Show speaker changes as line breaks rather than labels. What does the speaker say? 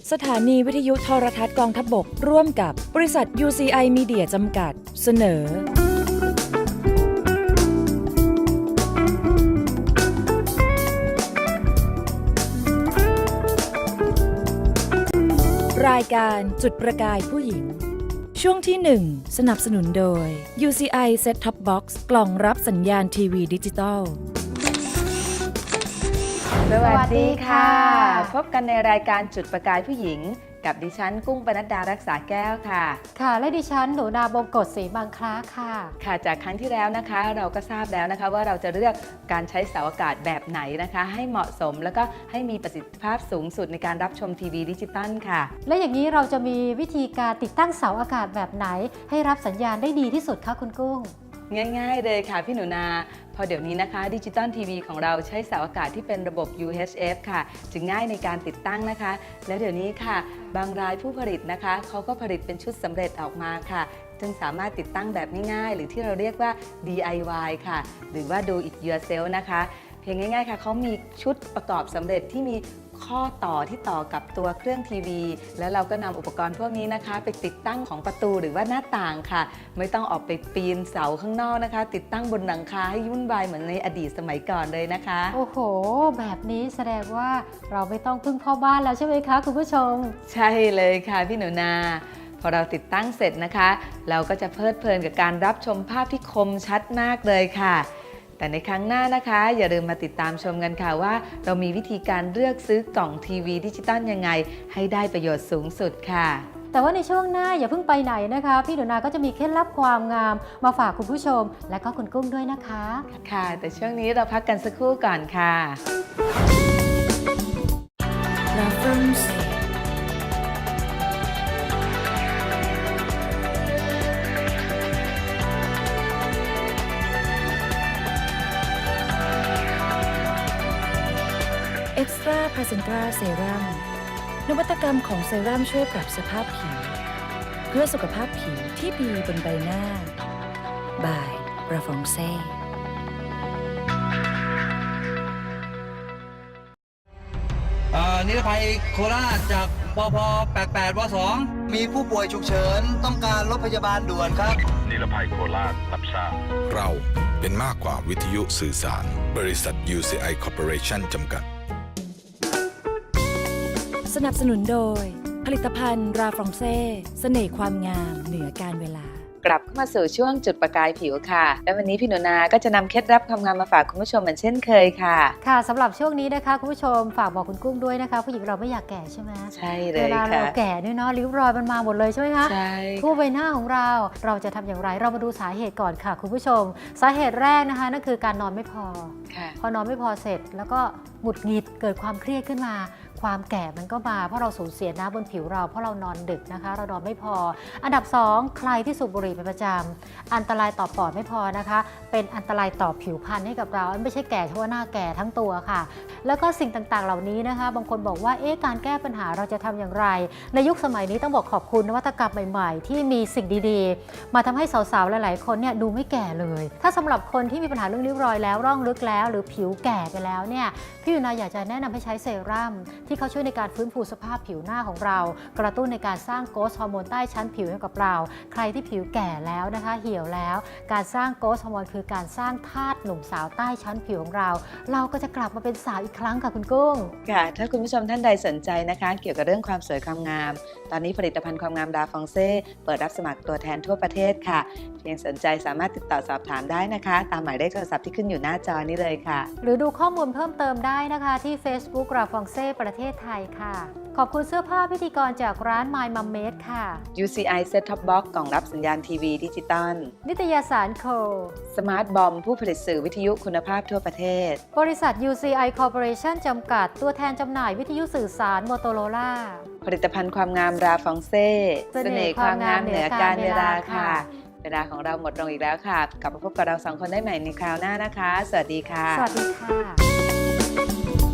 สถานีวิทยุโทรทัศน์กองทัพบกร่วมกับบริษัท UCI Media จำกัดเสนอรายการจุดประกายผู้หญิงช่วงที่ 1 สนับสนุนโดย UCI Set Top Box กล่องรับสัญญาณทีวีดิจิตอล
สวัสดีค่ะพบกันในรายการจุดประกายผู้หญิงกับดิฉันกุ้งปนัดดารักษาแก้วค่ะ
ค่ะและดิฉันหนูนาบงกฎศรีบางคล้าค่ะ
ค่ะจากครั้งที่แล้วนะคะเราก็ทราบแล้วนะคะว่าเราจะเลือกการใช้เสาอากาศแบบไหนนะคะให้เหมาะสมแล้วก็ให้มีประสิทธิภาพสูงสุดในการรับชมทีวีดิจิตอลค่ะ
และอย่างนี้เราจะมีวิธีการติดตั้งเสาอากาศแบบไหนให้รับสัญญาณได้ดีที่สุดคะคุณกุ้ง
ง่ายๆเลยค่ะพี่หนูนาพอเดี๋ยวนี้นะคะดิจิตอลทีวีของเราใช้เสาอากาศที่เป็นระบบ UHF ค่ะจึงง่ายในการติดตั้งนะคะแล้วเดี๋ยวนี้ค่ะบางรายผู้ผลิตนะคะเขาก็ผลิตเป็นชุดสำเร็จออกมาค่ะจึงสามารถติดตั้งแบบง่ายๆหรือที่เราเรียกว่า DIY ค่ะหรือว่า Do it yourself นะคะเพียงง่ายๆค่ะเขามีชุดประกอบสำเร็จที่มีข้อต่อที่ต่อกับตัวเครื่องทีวีแล้วเราก็นำอุปกรณ์พวกนี้นะคะไปติดตั้งของประตูหรือว่าหน้าต่างค่ะไม่ต้องออกไปปีนเสาข้างนอกนะคะติดตั้งบนหลังคาให้วุ่นวายเหมือนในอดีตสมัยก่อนเลยนะคะ
โอ้โหแบบนี้แสดงว่าเราไม่ต้องพึ่งพ่อบ้านแล้วใช่ไหมคะคุณผู้ชม
ใช่เลยค่ะพี่หนูนาพอเราติดตั้งเสร็จนะคะเราก็จะเพลิดเพลินกับการรับชมภาพที่คมชัดมากเลยค่ะแต่ในครั้งหน้านะคะอย่าลืมมาติดตามชมกันค่ะว่าเรามีวิธีการเลือกซื้อกล่องทีวีดิจิตอลยังไงให้ได้ประโยชน์สูงสุดค่ะ
แต่ว่าในช่วงหน้าอย่าเพิ่งไปไหนนะคะพี่หนูนาก็จะมีเคล็ดลับความงามมาฝากคุณผู้ชมและก็คุณกุ้งด้วยนะคะ
ค่ะแต่ช่วงนี้เราพักกันสักครู่ก่อนค่ะ
Extra Placenta Serum นวัตกรรมของเซรั่มช่วยปรับสภาพผิวเพื่อสุขภาพผิวที่ดีบนใบหน้า by Rafongse
นิรภัยโคราชจากปพ88ว2มีผู้ป่วยฉุกเฉินต้องการรถพยาบาลด่วนครับ
นิรภัยโคราชรับทราบ
เราเป็นมากกว่าวิทยุสื่อสารบริษัท UCI Corporation จำกัด
สนับสนุนโดยผลิตภัณฑ์ราฟรองเซ่เสน่ห์ความงามเหนือการเวลาก
ลับเข้ามาสู่ช่วงจุดประกายผิวค่ะและวันนี้พี่หนูนาก็จะนำเคล็ดลับความงามมาฝากคุณผู้ชมเหมือนเช่นเคยค่ะ
ค่ะสำหรับช่วงนี้นะคะคุณผู้ชมฝากบอกคุณกุ้งด้วยนะคะผู้หญิงเราไม่อยากแก่ใช่ไหม
ใช่เลยค่ะ
เวลาเราแก่เนี่ยเนาะริ้วรอยมันมาหมดเลยใช่ไหมคะ
ใช่
ทั่วใบหน้าของเราจะทำอย่างไรเรามาดูสาเหตุก่อนค่ะคุณผู้ชมสาเหตุแรกนะคะนั่นคือการนอนไม่พอพอนอนไม่พอเสร็จแล้วก็หงุดหงิดเกิดความเครียดขึ้นมาความแก่มันก็มาเพราะเราสูญเสียน้ำบนผิวเราเพราะเรานอนดึกนะคะเรานอนไม่พออันดับ2ใครที่สูบบุหรี่เป็นประจำอันตรายต่อปอดไม่พอนะคะเป็นอันตรายต่อผิวพรรณให้กับเราไม่ใช่แก่เฉพาะหน้าแก่ทั้งตัวค่ะแล้วก็สิ่งต่างๆเหล่านี้นะคะบางคนบอกว่าการแก้ปัญหาเราจะทำอย่างไรในยุคสมัยนี้ต้องบอกขอบคุณนวัตกรรมใหม่ๆที่มีสิ่งดีๆมาทำให้สาวๆหลายๆคนเนี่ยดูไม่แก่เลยถ้าสำหรับคนที่มีปัญหาเรื่องริ้วรอยแล้วร่องลึกแล้วหรือผิวแก่ไปแล้วเนี่ยพี่ยูนาอยากจะแนะนำให้ใช้เซรั่มที่เขาช่วยในการฟื้นฟูสภาพผิวหน้าของเรากระตุ้นในการสร้างโกสต์ฮอร์โมนใต้ชั้นผิวให้กับเราใครที่ผิวแก่แล้วนะคะเหี่ยวแล้วการสร้างโกสต์ฮอร์โมนคือการสร้างธาตุหนุ่มสาวใต้ชั้นผิวของเราก็จะกลับมาเป็นสาวอีกครั้งค่ะคุณกุ้ง
ค่ะถ้าคุณผู้ชมท่านใดสนใจนะคะเกี่ยวกับเรื่องความสวยความงามตอนนี้ผลิตภัณฑ์ความงามราฟองเซ่เปิดรับสมัครตัวแทนทั่วประเทศค่ะเพียงสนใจสามารถติดต่อสอบถามได้นะคะตามหมายเลขโทรศัพท์ที่ขึ้นอยู่หน้าจอนี้เลยค่ะ
หรือดูข้อมูลเพิ่มเติมได้นะคะที่ Facebook ราฟองเซ่ประเทศไทยค่ะขอบคุณเสื้อผ้าพิธีกรจากร้าน My Mum Made ค่ะ
UCI Set Top Box กล่องรับสัญญาณทีวีดิจิตอล
นิตยสารโค
Smart Bomb ผู้ผลิตสื่อวิทยุคุณภาพทั่วประเทศ
บริษัท UCI Corporation จำกัดตัวแทนจำหน่ายวิทยุสื่อสาร Motorola
ผลิตภัณฑ์ความงามราฟองเซ่เสน่ห์ความงามเหนือการเวลาค่ะเวลาของเราหมดลงอีกแล้วค่ะกลับมาพบกับเรา2คนได้ใหม่ในคราวหน้านะคะสวัสดีค่ะ
สวัสดีค่ะ